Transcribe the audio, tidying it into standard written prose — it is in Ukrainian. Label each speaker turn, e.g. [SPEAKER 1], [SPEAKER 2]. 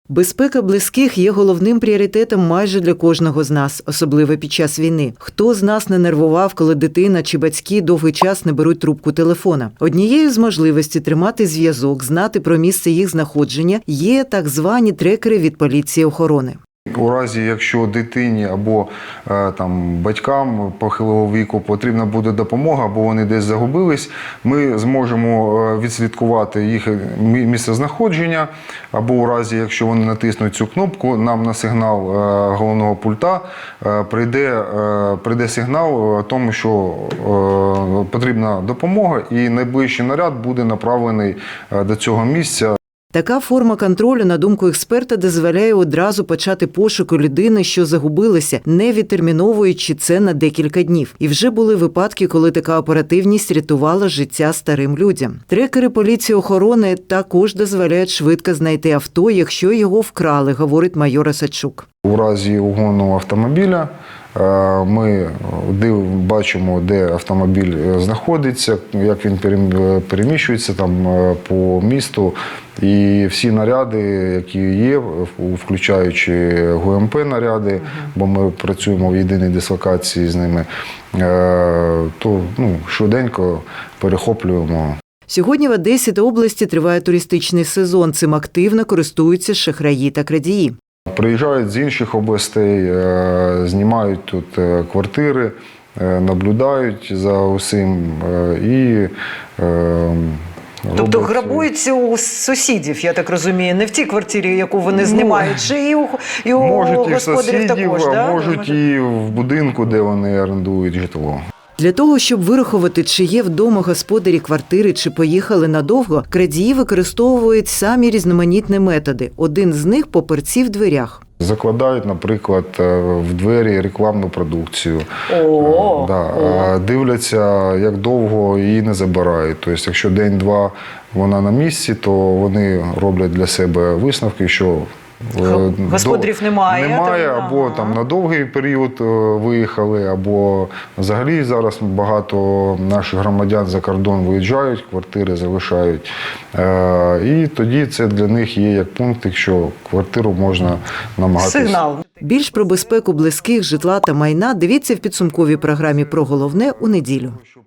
[SPEAKER 1] Безпека близьких є головним пріоритетом майже для кожного з нас, особливо під час війни. Хто з нас не нервував, коли дитина чи батьки довгий час не беруть трубку телефона? Однією з можливостей тримати зв'язок, знати про місце їх знаходження є так звані трекери від поліції охорони.
[SPEAKER 2] У разі, якщо дитині або батькам похилого віку потрібна буде допомога, або вони десь загубились, ми зможемо відслідкувати їх місцезнаходження, або у разі, якщо вони натиснуть цю кнопку, нам на сигнал головного пульта прийде сигнал тому, що потрібна допомога, і найближчий наряд буде направлений до цього місця.
[SPEAKER 1] Така форма контролю, на думку експерта, дозволяє одразу почати пошуку людини, що загубилася, не відтерміновуючи це на декілька днів. І вже були випадки, коли така оперативність рятувала життя старим людям. Трекери поліції охорони також дозволяють швидко знайти авто, якщо його вкрали, говорить майор Осадчук.
[SPEAKER 2] У разі угону автомобіля ми бачимо, де автомобіль знаходиться, як він переміщується по місту. І всі наряди, які є, включаючи ГУМП-наряди, бо ми працюємо в єдиній дислокації з ними, то швиденько перехоплюємо.
[SPEAKER 1] Сьогодні в Одесі та області триває туристичний сезон. Цим активно користуються шахраї та крадії.
[SPEAKER 2] Приїжджають з інших областей, знімають тут квартири, наблюдають за усім і
[SPEAKER 3] Тобто грабуються у сусідів, я так розумію, не в тій квартирі, яку вони знімають, чи і у господарів також,
[SPEAKER 2] а можуть і в будинку, де вони орендують житло.
[SPEAKER 1] Для того, щоб вирахувати, чи є вдома господарі квартири, чи поїхали надовго, крадії використовують самі різноманітні методи. Один з них – папірці в дверях.
[SPEAKER 2] Закладають, наприклад, в двері рекламну продукцію. Дивляться, як довго її не забирають. Тобто, якщо день-два вона на місці, то вони роблять для себе висновки, що
[SPEAKER 3] господарів немає,
[SPEAKER 2] або на довгий період виїхали, або взагалі зараз багато наших громадян за кордон виїжджають, квартири залишають. І тоді це для них є як пункт, якщо квартиру можна намагатися.
[SPEAKER 3] Сигнал.
[SPEAKER 1] Більш про безпеку близьких, житла та майна дивіться в підсумковій програмі «Про головне» у неділю.